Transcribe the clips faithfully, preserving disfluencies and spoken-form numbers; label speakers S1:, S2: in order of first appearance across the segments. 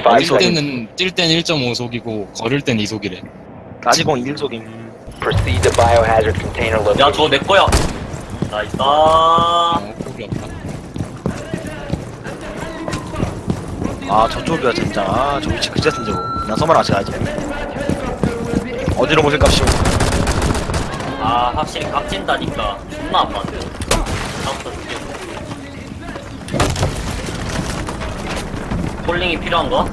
S1: Five
S2: 뛸
S1: seconds.
S2: 때는 뛸 때는 일 점 오 속이고 걸을 땐 이 속이래.
S3: 따지공 일 속임.
S1: Proceed to biohazard container
S4: 야, 저거
S1: location.
S4: 내 거야. 나이스.
S2: 어, 꼴이 없다.
S3: 아 저쪽이야 진짜. 아, 저 위치 그제 쓴 저거. 난 서머나 같이 가야지. 어디로 모실 값이오?
S4: 아, 확실히 깍진다니까. 존나 아파한데. 다음부터 죽여. 폴링이 필요한가?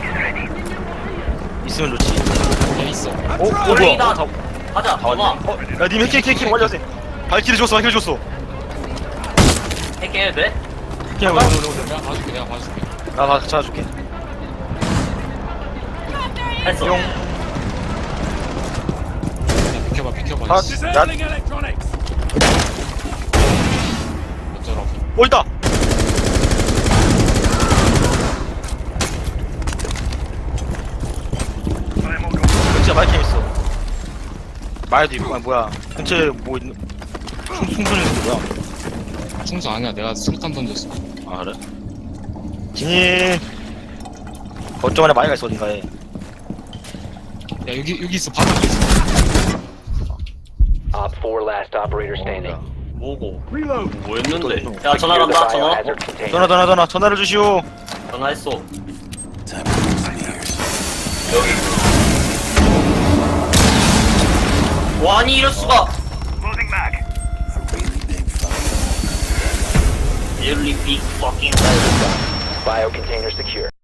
S3: 있으면 좋지.
S2: 돼 있어.
S3: 어? 어
S4: 폴링이다.
S3: 뭐야? 어, 다,
S4: 가자,
S3: 다 왔네.
S4: 와.
S3: 어? 야님 해킹 해킹 해킹 완료하세요. 발키리 줬어 발키리 줬어.
S4: 해킹해도 돼?
S3: 해킹 오늘 오늘 오늘.
S2: 내가 봐줄게, 내가 봐줄게.
S3: 나 같이 찾아줄게.
S4: 했어.
S3: 용.
S2: 야, 비켜봐, 비켜봐.
S3: 아,
S2: 이씨.
S3: 나
S2: 어쩌라고.
S3: 어 있다. 근처에 마이캠 있어. 마이도 있고 아 뭐야? 근처에 뭐 있는? 충 충분히 있는 게 뭐야?
S2: 충수 아니야, 내가 수류탄 던졌어.
S3: 아 그래? 진이 거점 안에 마이가 있어 어딘가에.
S2: 야, 여기, 여기 있어, 바로 여기 있어.
S1: Op four last operator standing.
S4: 뭐고? 뭐 했는데?
S3: 또,
S4: 야, 전화
S1: Secure the
S4: 간다, 전화.
S1: biohazard container.
S3: 전화 전화 전화 전화를 주시오.
S4: 전화했어. 여기. 와, 아니, 이럴 수가! Really big fucking.
S1: Bio container secure.